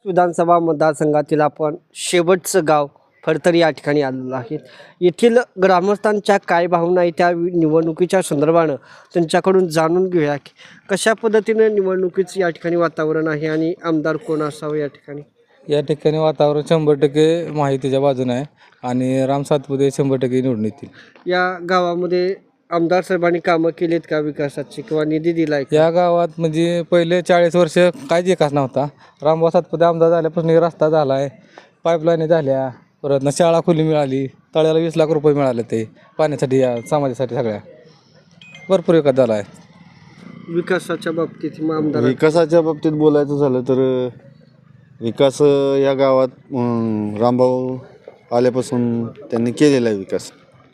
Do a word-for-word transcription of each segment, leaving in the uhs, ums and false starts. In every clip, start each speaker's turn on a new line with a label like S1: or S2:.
S1: विधानसभा मतदारसंघातील आपण शेवटचं गाव फडतरी या ठिकाणी आलेलो आहे. येथील ग्रामस्थांच्या काय भावना आहे त्या निवडणुकीच्या संदर्भानं त्यांच्याकडून जाणून घेऊया की कशा पद्धतीनं निवडणुकीचं या ठिकाणी वातावरण आहे आणि आमदार कोण असावं या ठिकाणी.
S2: या ठिकाणी वातावरण शंभर टक्के माहितीच्या बाजूने आहे आणि राम सातपुते शंभर टक्के निवडून येतील.
S1: या गावामध्ये आमदार साहेबांनी कामं केलीत का विकासाची किंवा निधी दिला आहे?
S2: या गावात म्हणजे पहिले चाळीस वर्ष काहीच विकास नव्हता. रामभाऊ सातपुते आमदार झाल्यापासून एक रस्ता झाला आहे, पाईपलाईन झाल्या, परत ना शाळा खुली मिळाली, तळ्याला वीस लाख रुपये मिळाले ते पाण्यासाठी, या समाजासाठी सगळ्या भरपूर विकास झाला आहे.
S1: विकासाच्या बाबतीत मग आमदार
S3: विकासाच्या बाबतीत बोलायचं झालं तर विकास या गावात अं, रामभाऊ आल्यापासून त्यांनी केलेला आहे, विकास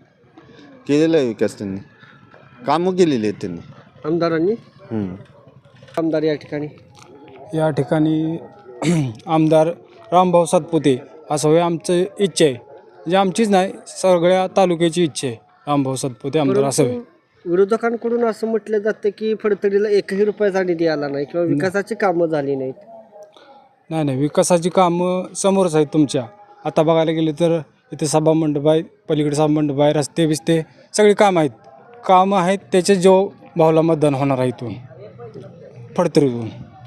S3: केलेला आहे विकास त्यांनी कामं केलेली आहेत त्यांनी
S1: आमदारांनी.
S3: हम्म.
S1: आमदार या ठिकाणी
S4: या ठिकाणी आमदार रामभाऊ सातपुते असं हे आमचं इच्छा आहे, म्हणजे आमचीच नाही सगळ्या तालुक्याची इच्छा आहे रामभाऊ सातपुते आमदार असावे.
S1: विरोधकांकडून असं म्हटलं जातं की फडतरीला एकही रुपयाचा निधी आला नाही किंवा विकासाची कामं झाली नाहीत.
S4: नाही नाही विकासाची कामं समोरच आहेत तुमच्या. आता बघायला गेले तर इथे सभामंडप आहे, पलीकडे सभामंडप आहे, रस्ते बिस्ते सगळी कामं आहेत. कामं आहेत त्याचे जो भाऊला मतदान होणार आहे इथून फडतरीतून.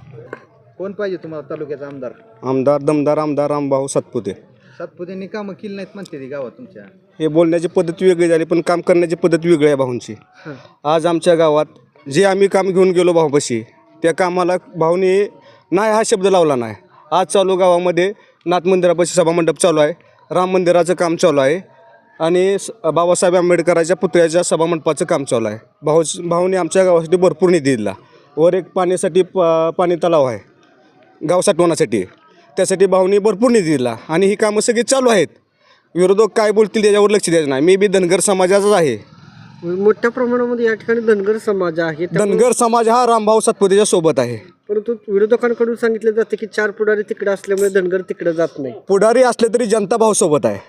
S5: कोण पाहिजे तुम्हाला तालुक्याचा आमदार?
S3: आमदार दमदार आमदार रामभाऊ सातपुते.
S5: सातपुतेंनी कामं केली नाहीत म्हणते ती गावात तुमच्या.
S3: हे बोलण्याची पद्धत वेगळी झाली पण काम करण्याची पद्धत वेगळी आहे भाऊंची. आज आमच्या गावात जे आम्ही काम घेऊन गेलो भाऊपाशी त्या कामाला भाऊने नाही हा शब्द लावला नाही. आज चालू गावामध्ये नाथ मंदिरापाशी सभामंडप चालू आहे, राम मंदिराचं काम चालू आहे आणि स बाबासाहेब आंबेडकरांच्या पुतळ्याच्या सभामंडपाचं काम चालू आहे. भाऊ भाऊने आमच्या गावासाठी भरपूर निधी दिला. वर एक पाण्यासाठी प पाणी तलाव आहे गाव साठवण्यासाठी, त्यासाठी भाऊने भरपूर निधी दिला आणि ही कामं सगळी चालू आहेत. विरोधक काय बोलतील त्याच्यावर लक्ष द्यायचं नाही. मी बी धनगर समाजाचाच आहे.
S1: मोठ्या प्रमाणामध्ये या ठिकाणी धनगर समाज आहे. त्यामुळे-
S3: धनगर समाज हा रामभाऊ सातपुतेच्या सोबत आहे.
S1: परंतु विरोधकांकडून सांगितलं जातं की चार पुढारी तिकडे असल्यामुळे धनगर तिकडे जात नाही.
S3: पुढारी असले तरी जनता भाऊ सोबत आहे.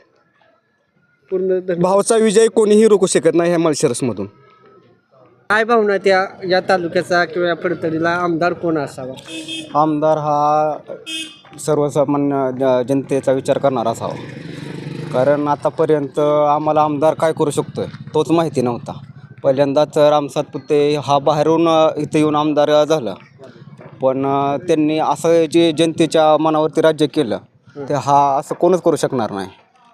S1: पूर्ण धन-
S3: भाऊचा विजय कोणीही रोखू शकत नाही ह्या माळशिरसमधून.
S1: काय भावना त्या या तालुक्याचा किंवा या फडतरीला आमदार कोण असावा?
S6: आमदार हा सर्वसामान्य ज- जनतेचा विचार करणारा असावा. कारण आतापर्यंत आम्हाला आमदार काय करू शकतो आहे तोच माहिती नव्हता. पहिल्यांदाच राम सातपुते हा बाहेरून इथे येऊन आमदार झाला, पण त्यांनी असं जे जनतेच्या मनावरती राज्य केलं ते हा असं कोणच करू शकणार नाही.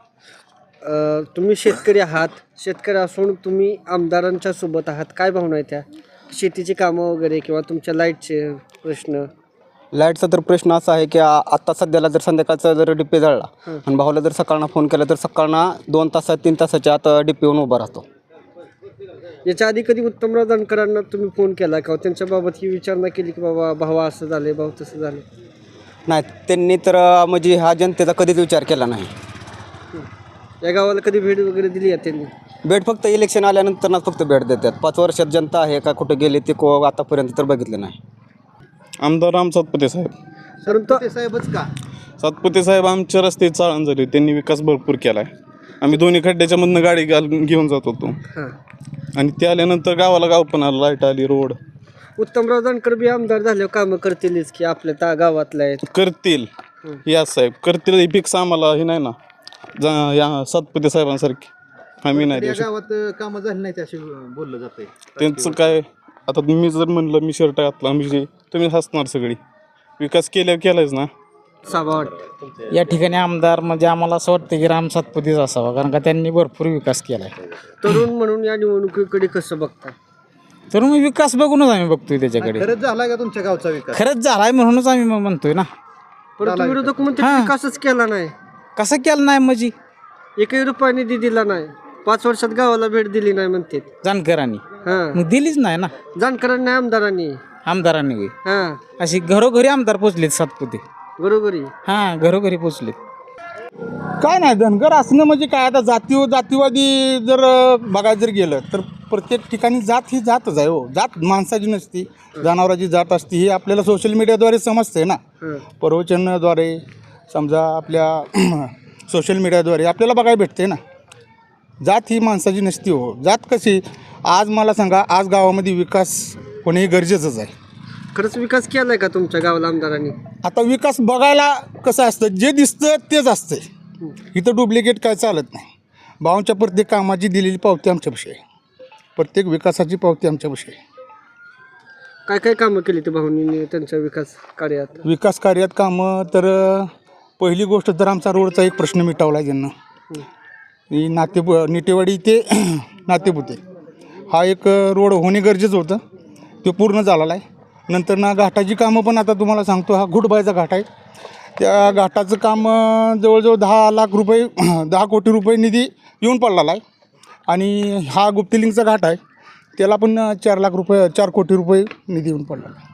S1: अ, तुम्ही शेतकरी आहात, शेतकरी असून तुम्ही आमदारांच्या सोबत आहात. काय भावना आहे त्या शेतीची कामं वगैरे किंवा तुमच्या लाईटचे प्रश्न?
S6: लाईटचा तर प्रश्न असा आहे की आ- आत्ता सध्याला जर संध्याकाळचा जर डिपे जळला आणि भाऊला जर सकाळना फोन केला तर सकाळना दोन तासात तीन तासाच्या आत डिपे येऊन उभा राहतो.
S1: याच्या आधी कधी उत्तमराव जानकरांना तुम्ही फोन केला का? त्यांच्या बाबत ही विचारणा केली की बाबा भाऊ असं झाले, भाऊ तसं झाले?
S6: नाही, त्यांनी तर अ, म्हणजे हा जनतेचा कधीच विचार केला नाही.
S1: या गावाला कधी भेट वगैरे दिली आहे त्यांनी?
S6: भेट फक्त इलेक्शन आल्यानंतरच फक्त भेट देतात. पाच वर्षात जनता आहे का कुठे गेले ते को आतापर्यंत तर बघितलं नाही.
S7: आमदार राम सातपुते साहेब.
S1: परंतु
S5: ते साहेबच का?
S7: सातपुते साहेब आमच्या रस्ते चाळण झाली, त्यांनी विकास भरपूर केला आहे. आम्ही दोन्ही खड्ड्याच्या मधनं गाडी घाल घेऊन जात होतो
S1: हां,
S7: आणि ते आल्यानंतर गावाला गाव पण आलं, लाईट आली, रोड
S1: उत्तमराव जानकर बी आमदार झाल्यावर कामं करतीलच की आपल्या त्या गावातल्या आहेत.
S7: करतील. या साहेब करतील हे फिक्स आम्हाला हे नाही ना जा या सातपुते साहेबांसारखी आम्ही नाही देऊ
S5: या
S7: शकत.
S5: गावात कामं झाली नाहीत असे बोललं जातंय.
S7: त्यांचं काय आता मी जर म्हणलं मी शर्ट घातला म्हणजे तुम्ही हसणार सगळी. विकास केल्यावर केलायच ना.
S1: साबा वाटतं
S8: या ठिकाणी आमदार म्हणजे आम्हाला असं वाटतं की राम सातपुतेच असावा, कारण का त्यांनी भरपूर विकास केला आहे.
S1: तरुण म्हणून या निवडणुकीकडे कसं बघता?
S8: तर मग विकास बघूनच आम्ही बघतोय त्याच्याकडे.
S5: खरंच झालाय का तुमच्या गावचा विकास?
S8: खरंच झालाय म्हणूनच आम्ही मग म्हणतोय ना.
S1: परंतु विरोधक म्हणते
S8: हां.
S1: विकासच केला नाही,
S8: कसं केलं नाही म्हणजे
S1: एकही रुपया निधी दिला नाही, पाच वर्षात गावाला भेट दिली नाही म्हणते.
S8: जानकरांनी
S1: हां,
S8: मग दिलीच नाही ना
S1: जानकरांनी आमदारांनी.
S8: आमदारांनी होय.
S1: हां,
S8: अशी घरोघरी आमदार पोचलेत सातपुते.
S1: बरोबरी.
S8: हां, घरोघरी पोचलेत.
S4: काय नाही, धनगर असणं म्हणजे काय, आता जाती जातीवादी जर अ, बघायला जर गेलं तर प्रत्येक ठिकाणी जात ही जातच आहे. हो, जात माणसाची नसती, जनावराची जात असते. ही आपल्याला सोशल मीडियाद्वारे समजते ना.
S1: हां,
S4: प्रवचनाद्वारे समजा आपल्या सोशल मीडियाद्वारे आपल्याला बघायला भेटते ना. जात ही माणसाची नसती. हो, जात कशी, आज मला सांगा, आज गावामध्ये विकास होणे हे गरजेचंच आहे.
S1: खरंच विकास केलाय का तुमच्या गावाला आमदारांनी?
S9: आता विकास बघायला कसं असतं, जे दिसतं तेच असतं. इथं डुप्लिकेट काय चालत नाही. भाऊंच्या प्रत्येक कामाची दिलेली पावती आमच्यापाशी आहे, प्रत्येक विकासाची पावती आमच्यापाशी आहे.
S1: काय काय कामं केली ते भाऊंनी त्यांच्या विकास कार्यात?
S9: विकास कार्यात कामं तर अ, पहिली गोष्ट तर आमचा रोडचा एक प्रश्न मिटवला आहे ज्यांना. ही नाते निटेवाडी ते नातेपुते हा एक अ, रोड होणे गरजेचं होतं, ते पूर्ण झालेला आहे. नंतर ना घाटाची कामं पण आता तुम्हाला सांगतो, हा घुटबायचा घाट आहे, त्या घाटाचं काम अ, जवळजवळ दहा लाख रुपये दहा कोटी रुपये निधी येऊन पडलेला आहे. आणि हा गुप्तिलिंगचा घाट आहे, त्याला पण अ, चार लाख रुपये चार कोटी रुपये निधी येऊन पडलेला आहे.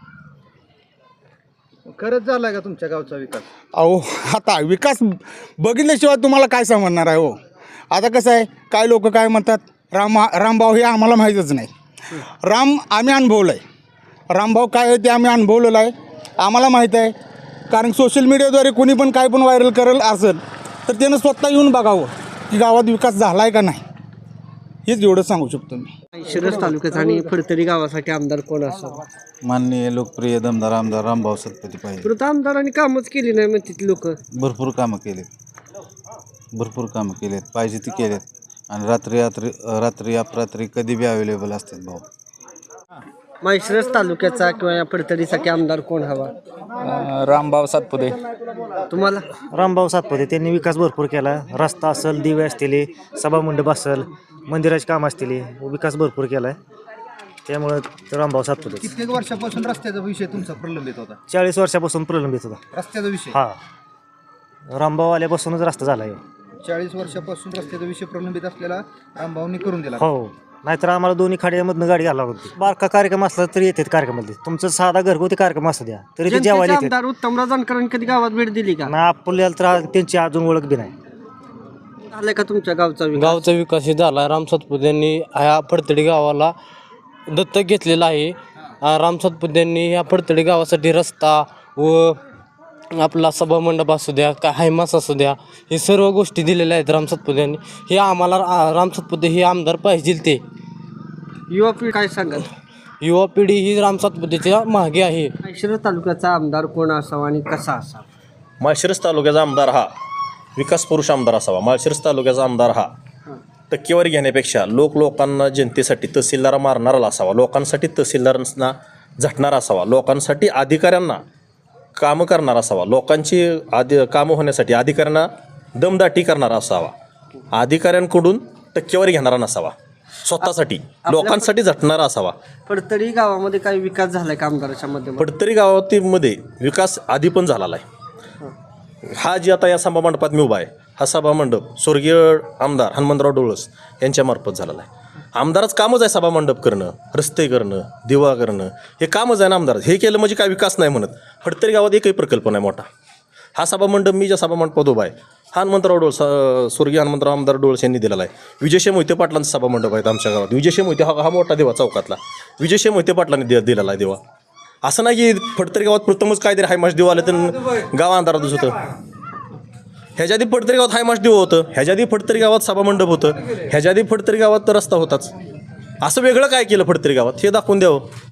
S5: खरंच झालाय का तुमच्या गावचा विकास?
S9: अहो आता विकास बघितल्याशिवाय तुम्हाला काय समजणार आहे हो. आता कसं आहे, काय लोक काय म्हणतात, राम रामभाऊ हे आम्हाला माहीतच नाही. राम आम्ही अनुभवलं आहे, रामभाऊ काय आहे ते आम्ही अनुभवलेलं आहे, आम्हाला माहीत आहे. कारण सोशल मीडियाद्वारे कोणी पण काय पण व्हायरल करेल असेल तर त्यानं स्वतः येऊन बघावं की गावात विकास झाला आहे का नाही, हेच एवढं सांगू शकतो मी.
S1: शिरस तालुक्यात आणि फडतरी गावासाठी आमदार कोण असावं?
S2: माननीय लोकप्रिय दमदार आमदार रामभाऊ सतपती पाहिजे.
S1: परत आमदारांनी कामच केली नाही म्हणतात लोक.
S2: भरपूर कामं केलेत, भरपूर कामं केलेत, पाहिजे ती केलेत. आणि रात्री रात्री रात्री अपरात्री कधी बी अवेलेबल असतात भाऊ.
S1: माळशिरस तालुक्याचा किंवा या फडतरीसाठी आमदार कोण हवा
S8: रामभाऊ सातपुते.
S1: तुम्हाला?
S10: रामभाऊ सातपुते त्यांनी विकास भरपूर केला. रस्ता असेल, दिवे असतील, सभामंडप असेल, मंदिराचे काम असतील, विकास भरपूर केला आहे. त्यामुळं रामभाऊ सातपुते.
S5: कित्येक वर्षापासून रस्त्याचा विषय तुमचा प्रलंबित होता?
S10: चाळीस वर्षापासून प्रलंबित होता
S5: रस्त्याचा विषय?
S10: हा, रामभाऊ आल्यापासूनच रस्ता झाला आहे.
S5: चाळीस वर्षापासून रस्त्याचा विषय प्रलंबित असलेला रामभाऊनी करून दिला.
S10: हो, नाहीतर आम्हाला दोन्ही खाड्यामधनं गाडी घालावं होती. बारका कार्यक्रम असला तरी येतात कार्यक्रमामध्ये. तुमचा साधा घरगुती कार्यक्रम असू द्या तरी ते
S1: जनतेचे
S10: जेवायला येतात.
S1: आमदार उत्तमराव जानकरांनी कधी गावात भेट दिली का?
S10: ना आपल्याला तर त्यांची अजून ओळख बी नाही.
S1: झालाय का तुमच्या गावचा विकास?
S11: गावचा विकास झाला. राम सातपुतेंनी ह्या फडतडी गावाला दत्तक घेतलेला आहे. राम सातपुतेंनी ह्या फडतडी गावासाठी रस्ता व आपला सभामंडप असू द्या, का हायमास असू द्या, हे सर्व गोष्टी दिलेल्या आहेत राम सातपुतेंनी. हे आम्हाला राम सातपुते हे आमदार पाहिजे. ते
S1: युवा पिढी काय सांगाल?
S11: युवा पिढी ही राम सातपुतेच्या मागे आहे.
S1: माळशिरस तालुक्याचा आमदार कोण असावा आणि कसा असावा?
S12: माळशिरस तालुक्याचा आमदार हा विकास पुरुष आमदार असावा. माळशिरस तालुक्याचा आमदार हा टक्केवारी घेण्यापेक्षा लोक लोकांना जनतेसाठी तहसीलदार मारणारा असावा, लोकांसाठी तहसीलदारांना झटणारा असावा, लोकांसाठी अधिकाऱ्यांना कामं करणारा असावा, लोकांची आदि कामं होण्यासाठी अधिकाऱ्यांना दमदाटी करणारा असावा, अधिकाऱ्यांकडून टक्केवारी घेणारा नसावा, स्वतःसाठी लोकांसाठी झटणारा असावा.
S1: फडतरी गावामध्ये काही विकास झालाय का आमदाराच्या माध्यमातून?
S12: फडतरी गावातीमध्ये विकास आधी पण झालेला आहे. हा जी आता या सभामंडपात मी उभा आहे, हा सभामंडप स्वर्गीय आमदार हनुमंतराव डोळस यांच्यामार्फत झालेला आहे. आमदारच कामच आहे सभामंडप करणं, रस्ते करणं, दिवा करणं, हे कामच आहे ना आमदार. हे केलं म्हणजे काय विकास नाही म्हणत. फडतरी गावात एकही प्रकल्प नाही मोठा. हा सभामंडप मी ज्या सभामंडपात उभा आहे हा हनुमंतराव डोळस स्वर्गीय हनुमंतराव आमदार डोळस यांनी दिलेला आहे. विजयशे मोहिते पाटलांचा सभामंडप आहेत आमच्या गावात. विजयशे मोहिते हा हा मोठा देवा चौकातला विजयशे मोहिते पाटलांनी दि दिलेला आहे देवा. असं नाही की फडतरी गावात प्रथमच काहीतरी हायमाश देव आलं तर गाव अंधारातच होतं. ह्याच्या आधी फडतरी गावात हायमाश देव होतं, ह्याच्या आधी फडतरी गावात सभामंडप होतं, ह्याच्या आधी फडतरी गावात तर रस्ता होताच. असं वेगळं काय केलं फडतरी गावात हे दाखवून द्यावं.